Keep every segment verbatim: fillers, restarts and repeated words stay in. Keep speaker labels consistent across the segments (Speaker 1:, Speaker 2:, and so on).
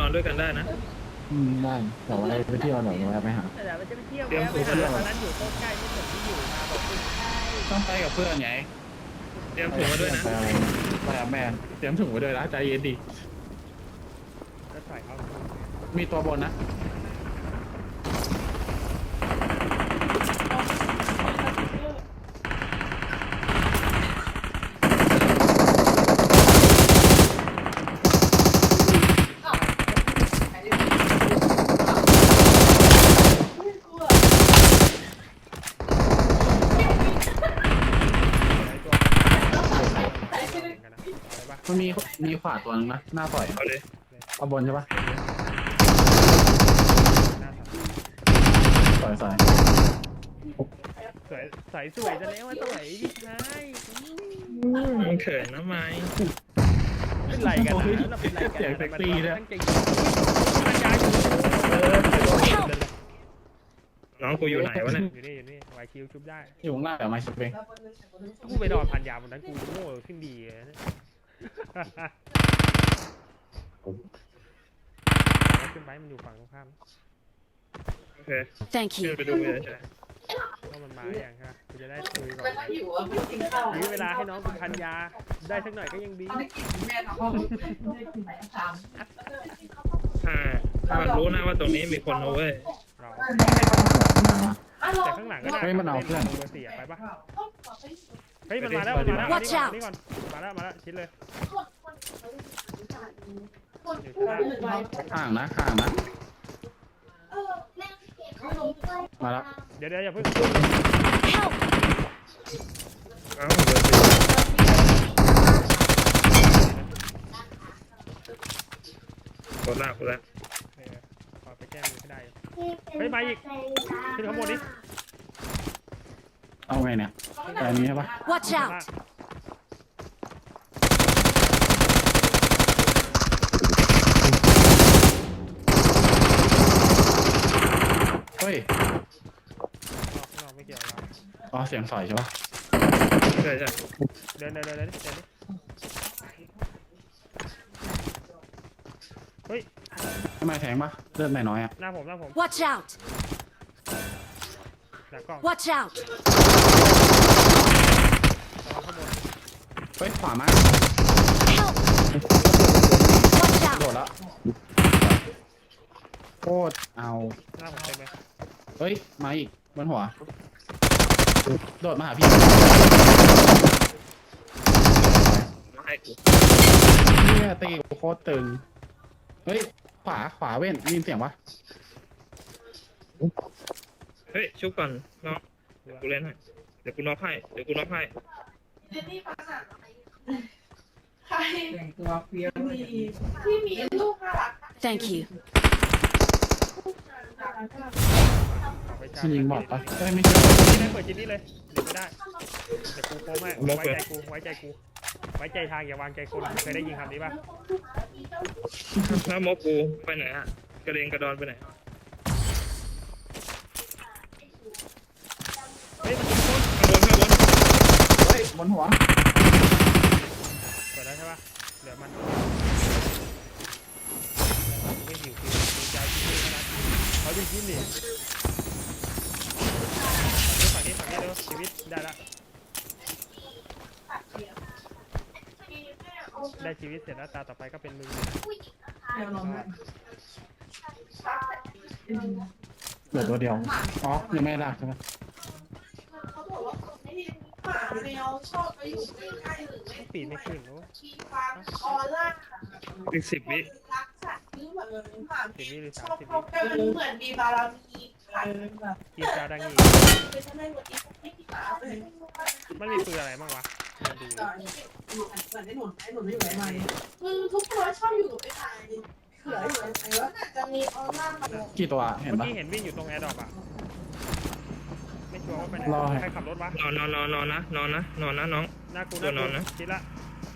Speaker 1: อนด้วยกันได้นะ
Speaker 2: อืมได้เดี๋ยวไปเที่ยวหน่อยไปหา
Speaker 3: แต่มันจะไปเที่ยว
Speaker 1: เตรียม
Speaker 3: แวะ
Speaker 1: ตัว
Speaker 3: ไป
Speaker 1: ไป
Speaker 3: หา
Speaker 1: ด้วย
Speaker 3: ตอนนั้นอยู่โต๊ะใกล้ไม่เหมือนที่อยู่มาบอกคุณ
Speaker 2: ต้องไปกับเพื่อนไง
Speaker 1: เตรียมถุงมาด้วยนะ
Speaker 2: ไปอะไรไปกับแม่เตรียมถุงมาด้วยนะใจเย็นดิ
Speaker 3: ก็ใส่เขา
Speaker 2: มีตัวบนนะมันมีมีขวาตัวนึงนะหน้าต่อย
Speaker 1: เอาเลย
Speaker 2: เอาบนใช่ปะสวยสวย
Speaker 3: สวยใส่สวยจะแล้วว่าสวยพี่ชาย
Speaker 1: มันเขินนะไม้
Speaker 3: เป็นไรกันนะเราเป็นไรกัน
Speaker 2: เสียงเซ็กซี่ด้วย
Speaker 3: ตั้งใจมันย้ายอยู่
Speaker 1: น้องกูอยู่ไหนวะเนี่ย
Speaker 3: อยู่นี่อยู่นี่วายคิวชุบได้
Speaker 2: อยู่ข้างหน้าเดี๋ยวมาชิปเอง
Speaker 3: กูไปนอนพันยาบนนั้นกูโง่ขึ้นดีเลยขึ้นไปมันอยู่ฝั่งตรงข้าม
Speaker 1: โอเค
Speaker 4: Thank
Speaker 1: ขึ้น
Speaker 4: you.
Speaker 1: ไปดูเลยใช่
Speaker 3: ก็มันมาอย่างครับกูจะได้คุยก่อนยื้อเวลาให้น้องกูพันยาได้สักหน่อยก็ยังดี
Speaker 1: ถ้าถ้ามันรู้นะว่าตรงนี้มีคนเอาเว้ย
Speaker 3: เราแต่ข้างหลังก็ได้เบอร์สี่ไปปะเฮ้ยมันมาแล้วมันมาแล้วมานี่ก่อนมาแล้วมาแล้วชิดเลย
Speaker 2: ห่างนะห่างนะมาแล้ว
Speaker 3: เดี๋ยวเดี๋ยวอย่าเพิ่ง
Speaker 4: Help!
Speaker 1: เอ้าเบอร์สี่กดละกดละ
Speaker 3: ขอไปแก้มือให้ได้เฮ้ยมาอีกขึ้นข้างบนนี้
Speaker 2: เอาไงเนี่ยแต่อันนี้ใช่ปะ
Speaker 4: Watch out!
Speaker 2: เฮ้ย
Speaker 3: นอกไม่เกี่ยวเรา
Speaker 2: อ๋อเสียงสอยใช่ปะ
Speaker 1: ใช่ใช่
Speaker 3: เดินเดินเดินเดินเดินเฮ้ย
Speaker 2: ทำไมแทงปะเลือดน้อยๆอ่ะ
Speaker 3: หน้าผมหน้าผม
Speaker 4: Watch out!
Speaker 3: หน้ากล้อง
Speaker 4: Watch out!
Speaker 3: ข้างบน
Speaker 2: เฮ้ยขวามา
Speaker 4: Help! Watch
Speaker 2: โด
Speaker 4: out!
Speaker 2: ดแล้วโคตรเอา
Speaker 3: หน้าผมเต็มเลย
Speaker 2: เฮ้ยมาอีกบนหัวโดดมาหาพี่
Speaker 1: มาให้กู
Speaker 2: เนี่ยตีโคตรตึงเฮ้ยขวาขวาเว้นได้ยินเสียงปะ
Speaker 1: เฮ้ยชุบก่อนน้องเดี๋ยวกูเล่นให้เดี๋ยวกูน็อกให้เดี๋ยวกูน็อกให้
Speaker 5: ใครตัวเฟี้ยวที่มีลูกน่ารัก
Speaker 4: Thank you.
Speaker 2: มันยิงบอดปะเอ้ยไม่ใช่
Speaker 3: นี่ได้เปิดจินนี่เลยเดี๋ยวไม่ได้เดี๋ยวกูโค้งให้ไว้ใจกูไว้ใจกูไว้ใจทางอย่าวางใจคนเคยได้ยินคำนี้ป่ะ
Speaker 1: ถ้ามกกูไปไหนฮะกระเด็นกระดอนไปไหน
Speaker 3: เฮ้ยมันโค้ง
Speaker 1: ข้างบนข้างบน
Speaker 2: เฮ้ยบนหัว
Speaker 3: เปิดแล้วใช่ป่ะเหลือมันไม่หิวคือหิวใจที่นี่นะเขาดูยิ้มดิฝั่งนี้ฝั่งนี้เร็วชีวิตได้ละได้ชีวิตเสร็จแล้วตาต่อไปก็เป็นมือ
Speaker 5: เดี๋ยวลอง
Speaker 2: เหลือตัวเดียวอ๋อยังไม่ลากใช่ไหม
Speaker 5: เขาบอกว่าคนที่หมาแมวชอบไปอยู่ใกล้ๆหรือไม่
Speaker 3: ปีนไม่ขึ้นรู้
Speaker 5: ชีฟ้าออร่า
Speaker 1: อีกสิบวิ
Speaker 5: รักสัตว์ที่แบบหมา
Speaker 3: สิบวิหรือ
Speaker 5: ช
Speaker 3: สาม
Speaker 5: อบ
Speaker 3: สิบ
Speaker 5: เขา
Speaker 3: วิ
Speaker 5: แต่มันเหมือนมีบารมีค่ะแบบ
Speaker 3: กินจาดังอี
Speaker 5: เป็นทำไมวันนี้ไม่มีหมาเลย
Speaker 3: มันมีปืนอะไรบ้างวะมาดู
Speaker 5: เหมือนไอ้หนุนไอ้หนุนไม่อยู่ไหนมึงทุกคนชอบอยู่กับไอ้ชายเหลืออยู่ไหนวะจะมีออร่าแบบ
Speaker 2: กี่ตัวเห็น
Speaker 3: เมื่อ
Speaker 2: ปะ
Speaker 3: กี้เห็นวิ่งอยู่ตรงแอร์ดรอปอ่ะไม่ชัวร์ว่าไปไหน
Speaker 2: รอให้
Speaker 3: ใครขับรถวะ
Speaker 1: นอนนอนนอนนอนนะนอนนะนอนนะน้อง
Speaker 3: หน้ากู
Speaker 1: ตัวนอนนะ
Speaker 3: คิดละ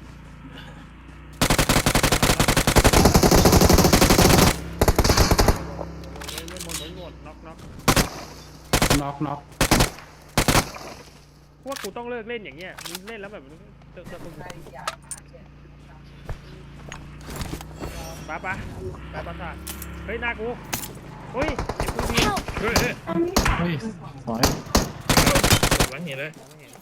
Speaker 3: เล่นหมดเล่นหมดน็อกน็อก
Speaker 2: น็อกน็อก
Speaker 3: พวกกูต้องเลิกเล่นอย่างเงี้ยมึงเล่นแล้วแบบเติมเติมไปปะปะไปปะสาทเฮ้ยหน้ากูเฮ้ยเจ็บกูดี
Speaker 4: Help!
Speaker 1: เฮ้ยเฮ้ย
Speaker 5: อันนี้
Speaker 2: เฮ้ยถอย
Speaker 1: หลังเห็นเลย
Speaker 3: มองไม่เห็น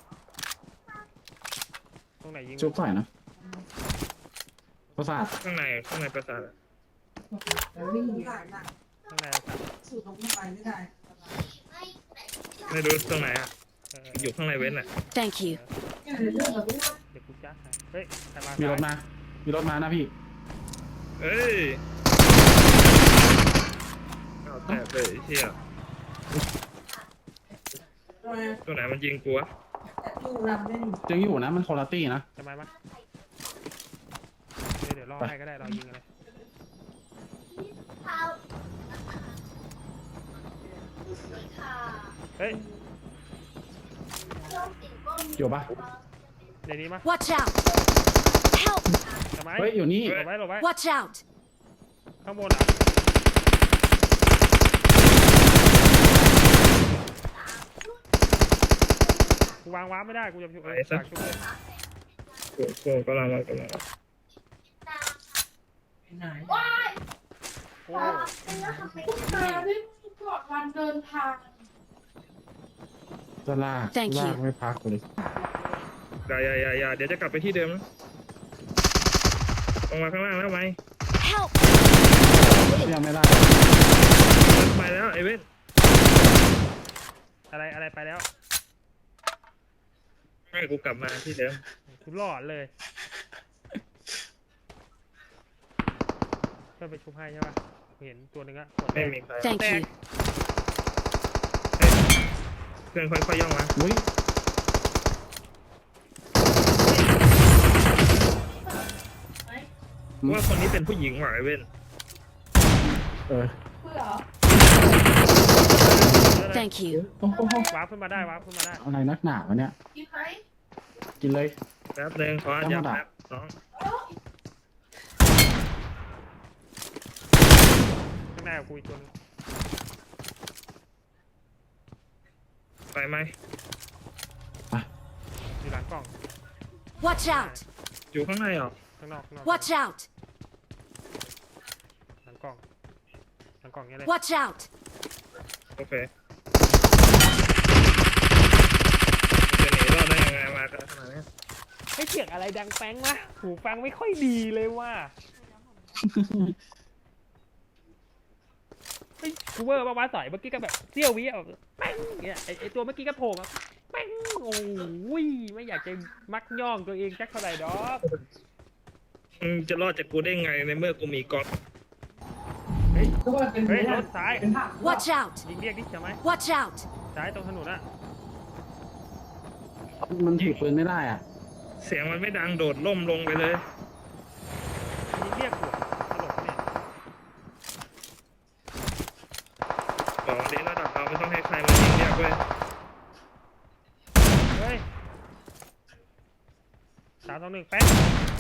Speaker 3: ตรงไหนยิง
Speaker 2: จุบใส่นะประสาท
Speaker 1: ข้างในข้างในปราสาทอะ
Speaker 5: วิ่งผ่านน่ะ
Speaker 3: ข้างใน
Speaker 5: สูดลงไปไม่ได้
Speaker 1: ไม่รู้ตรงไหนอ่ะ
Speaker 3: เออ
Speaker 1: อยู่ข้างในเว้นอ่ะ
Speaker 4: Thank you.
Speaker 5: เรื่องแบบนี้
Speaker 3: เดี๋ยวกูจ้าให้เฮ้ยใครมา
Speaker 2: มีรถมามีรถมานะพี่
Speaker 1: เอ้ยเอาแต่เลยไอ้เชี่ย
Speaker 5: โดย
Speaker 1: ตัวไหนมันยิงกูวะ
Speaker 5: ดูรำเล่น
Speaker 2: ยังอยู่นะมันคนละตี้นะ
Speaker 3: จะมาปะเดี๋ยวเดี๋ยวรอให้ก็ได้รอยิงอะไร เฮ้ย
Speaker 2: อยู่ปะ
Speaker 3: ในนี้มา
Speaker 4: Watch out! Help!
Speaker 3: จะไหม
Speaker 2: เฮ้ยอยู่นี่
Speaker 3: หลบไว้หลบไว้
Speaker 4: Watch out!
Speaker 3: ข้างบนอ่ะกูวางวาร์ปไม่ได้ กูจะชุบเออฝากชุบเลย
Speaker 1: กูกูกำลังมากำลังมา
Speaker 5: ไหน
Speaker 3: โอ้
Speaker 5: คุณตาได้ก่อนวันเดินทาง
Speaker 2: จะลาก
Speaker 4: Thank you
Speaker 2: ลากไม่พักเลย
Speaker 1: อย่าอย่าอย่าอย่าเดี๋ยวจะกลับไปที่เดิมนะลงมาข้างล่างแล้วไหม
Speaker 4: Help!
Speaker 2: ยังไม่ได้
Speaker 1: ไปแล้วไอ้เว้น
Speaker 3: อะไรอะไรไปแล้ว
Speaker 1: ให้กูกลับมาที่เดิม
Speaker 3: กูหลอดเลยเพื่อนไปชุบให้ใช่ปะกูเห็นตัวหนึ่งอะหมด
Speaker 1: ไม่
Speaker 3: แดง
Speaker 1: มีใคร
Speaker 4: Thank you.
Speaker 1: เพื่อนค่อยๆย่องมา
Speaker 2: อุ้ย
Speaker 1: ว่าคนนี้เป็นผู้หญิงหว่ะไอ้เว้น
Speaker 2: เออ
Speaker 5: เพื่อ
Speaker 4: Thank you.
Speaker 2: โอ้โห
Speaker 3: วาร์ปขึ้นมาได้วาร์ปขึ้นมาได้
Speaker 2: อะไรนักหนาวะเนี่ย
Speaker 5: กินไหม
Speaker 2: กินเลย
Speaker 1: แป๊บนึงขออนุญาตแป๊บน้อง
Speaker 3: ข้างหน้ากับกูอีกตัวหนึง
Speaker 1: ไปไหม
Speaker 3: อยู่หลังกล่อง
Speaker 4: Watch out!
Speaker 1: อยู่ข้างในเหรอ
Speaker 3: ข้างนอกข้างนอก
Speaker 4: Watch out!
Speaker 3: หลังกล่องหลังกล่องเนี้ยเลย
Speaker 4: Watch out!
Speaker 1: โอเคจะหนีรอดได้ยังไงมากันขนาดนี้
Speaker 3: ไม่เสียงอะไรดังแป้งวะหูฟังไม่ค่อยดีเลยว่ะเฮ้ยกูเวอร์ปะวะสอยเมื่อกี้ก็แบบเสี้ยววิอ่ะแป้งเนี่ยไอไอตัวเมื่อกี้ก็โผล่มาแป้งโอ้ยไม่อยากจะมักย่องตัวเองจักเท่าไหร่ดอก
Speaker 1: มึงจะรอดจากกูได้ไงในเมื่อกูมีกอล์ฟ
Speaker 5: ก็ว่าเป็น
Speaker 3: เฮ้ยรถซ้าย
Speaker 5: เป็นผัก
Speaker 4: Watch out!
Speaker 3: ยิงเรียกดิใช่ไหม
Speaker 4: Watch out!
Speaker 3: ซ้ายตรงถนนอะ
Speaker 2: มันถือปืนไม่ได้อ่ะ
Speaker 1: เสียงมันไม่ดังโดดล่มลงไปเลย
Speaker 3: ยิงเรียกหัวตลกเนี่ย
Speaker 1: บอกวันนี้ระดับเราไม่ต้องให้ใครมายิงเรียกเว้ย
Speaker 3: เฮ้ยสามสองหนึ่งแป้ง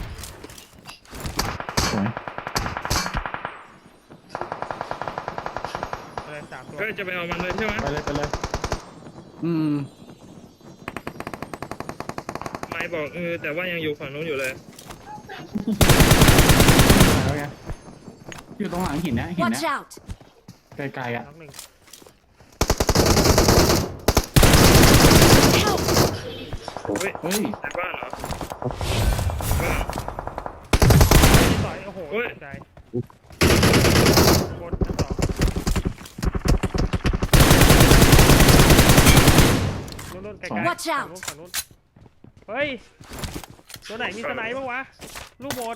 Speaker 2: สวย
Speaker 3: อะไรสามตัว
Speaker 1: ก็จะไปเอามันเลยใช่ไหม
Speaker 2: ไปเลยไปเลย อืม
Speaker 1: ไม่บอกเออแต่ว่ายังอยู่ฝั่งนู้นอยู่เลย
Speaker 2: แล้วไงอยู่ตรงหลังหินเนี้ยหิน
Speaker 4: Watch
Speaker 2: เนี้ย
Speaker 4: out!
Speaker 2: ไกลๆอ่ะ
Speaker 3: น้องหนึ่ง
Speaker 4: Help!
Speaker 1: เฮ้ย
Speaker 2: เฮ้ย
Speaker 1: ในบ้านเหรอบ้าน
Speaker 3: ต่อยโอ้โห
Speaker 1: เฮ้ย
Speaker 3: ตกใจบนชั้นสองนู่นๆไกลๆ
Speaker 4: Watch out
Speaker 3: ฝั่งนู้นฝั่งนู้นเฮ้ยตัวไหนมีสไนป์บ้างวะลูกหมด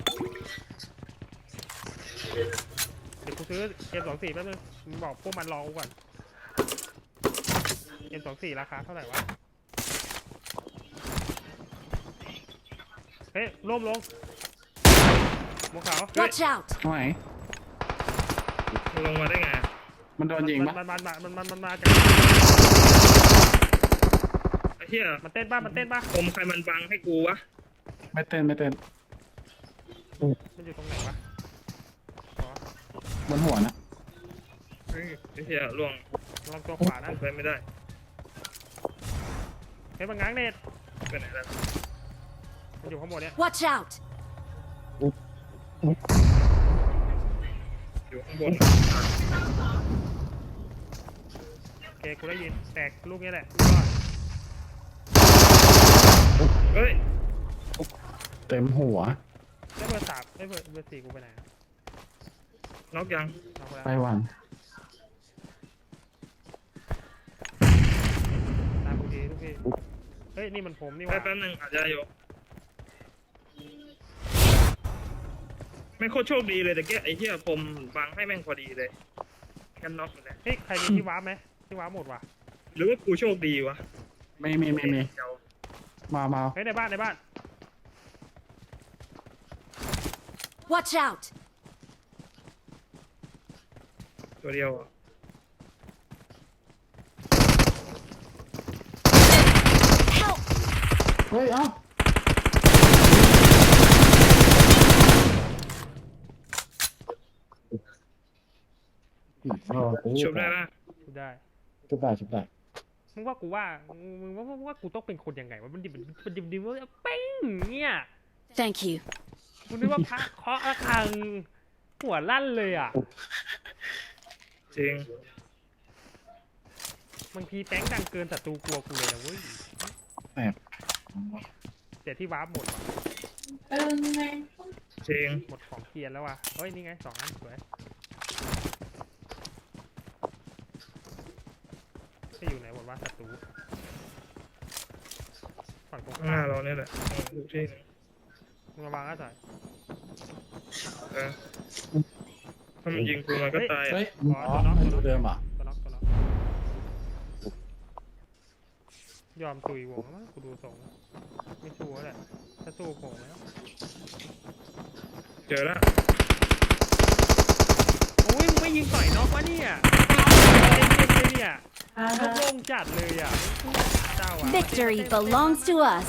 Speaker 3: เดี๋ยวกูซื้อ เอ็ม สองสี่แป๊บนึงมึงบอกพวกมันรอกูก่อน เอ็ม สองสี่ราคาเท่าไหร่วะเฮ้ยร่มลงหมวกขาว
Speaker 4: Watch out!
Speaker 2: ตรงไหน
Speaker 1: ลงมาได้ไง
Speaker 2: มันโดนยิงปะ
Speaker 3: มันมันมันมันมันมาจาก
Speaker 1: ไอ้เหี้ย
Speaker 3: มันเต้นป่ะมันเต้นป่ะ
Speaker 1: ผมใครมันบังให้กูวะ
Speaker 2: ไม่เต้นไม่เต้น
Speaker 3: มันอยู่ตรงไหนวะอ๋อบ
Speaker 2: นหัวนะ
Speaker 1: เฮ้ยไอ้เหี้ยล่วง
Speaker 3: ลองตัวขวานะ
Speaker 1: ไปไม่ได้
Speaker 3: เฮ้ยมันง้างเน็ต
Speaker 1: ไปไหนแล้ว
Speaker 3: มันอยู่ข้างบนเนี่ย
Speaker 4: Watch out!
Speaker 1: ข้างบน
Speaker 3: โอเคกูได้ยินแตกลูกนี้แหละรอด
Speaker 1: เฮ้ย
Speaker 2: เต็มหัว
Speaker 3: แล้วเบอร์สามไอ้ยเบอร์เบอร์สี่กูไปไหนอะ
Speaker 1: น็อกยัง
Speaker 3: เอาไปแล้ว
Speaker 2: ไปวัน
Speaker 3: ตามกูทีทุกทีเฮ้ยนี่มันผมนี่ห
Speaker 1: ไป
Speaker 3: ว่า
Speaker 1: แป๊บนึงอาจจะอยู่ไม่โคตรโชคดีเลยแต่แกไอ้เหี้ยผมบังให้แม่งพอดีเลยกันน็อกเลย
Speaker 3: เฮ้ยใครมีที่วาร์ปไหมที่วาร์ปหมดว่ะ
Speaker 1: หรือว่ากูโชคดีวะ
Speaker 2: ไม่มีไม่มี
Speaker 1: เดี๋ยว
Speaker 2: มามา
Speaker 3: เฮ้ยในบ้านในบ้าน
Speaker 4: Watch out!
Speaker 1: ตัวเดียวอะ
Speaker 4: Help!
Speaker 2: เฮ้ยเอ้าเอากู
Speaker 1: ชุบได้ปะ
Speaker 3: กูได้
Speaker 2: ชุบได้ชุบได้
Speaker 3: มึงว่ากูว่ามึงว่ามึงว่ากูต้องเป็นคนยังไงวะมันดิบมันดิบดิบว่าเป้งเนี่ย
Speaker 4: Thank you.
Speaker 3: กูนึกว่าพระเคาะระฆังหัวลั่นเลยอ่ะ
Speaker 1: จริง
Speaker 3: บางทีแป้งดังเกินศัตรูกลัวกูเลยนะเว้ย
Speaker 2: แปด
Speaker 3: แต่ที่วาร์ปหมดว่ะ
Speaker 5: เออไง
Speaker 1: จริง
Speaker 3: หมดของเกียร์แล้วว่ะเฮ้ยนี่ไงสองอันสวยจะอยู่ไหนหมดวะศัตรูฝั่งตรง
Speaker 1: ข้างห
Speaker 3: ข้า
Speaker 1: น้าม เราเนี่ยแหละทุกที่
Speaker 3: มึงระวังนะสาย
Speaker 1: เออถ้ามันยิงกูมันก็ตาย
Speaker 2: เฮ้
Speaker 1: อะ
Speaker 2: ยอ๋อไม่รู้เดิมอ่ะ
Speaker 3: ตัวน็อกตัวน็อกยอมตุยวงแล้วมั้งกูดูทรงแล้วไม่สู้แล้วแหละถ้าสู้โผล่แล้ว
Speaker 1: เจอแล้ว
Speaker 3: โอ้ยมึงไม่ยิงต่อยน็อกวะเนี่ยเล่นเล่นเลยเนี่ย
Speaker 5: อ่า
Speaker 3: น็อกโล่งจัดเลยอ่ะเจ้าอ่ะ
Speaker 4: Victory belongs to us.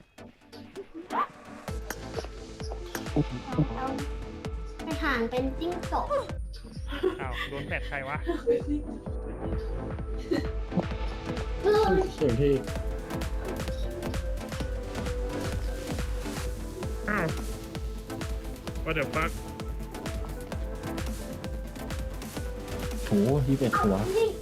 Speaker 6: ไปห่างเป็นจิ้งจก
Speaker 3: อ้าวโดนแผดใครวะ
Speaker 6: เฮ้ย
Speaker 2: เสียงที่
Speaker 1: อ้าว what the fuck
Speaker 2: โหยี่สิบเอ็ดหัว
Speaker 6: นี่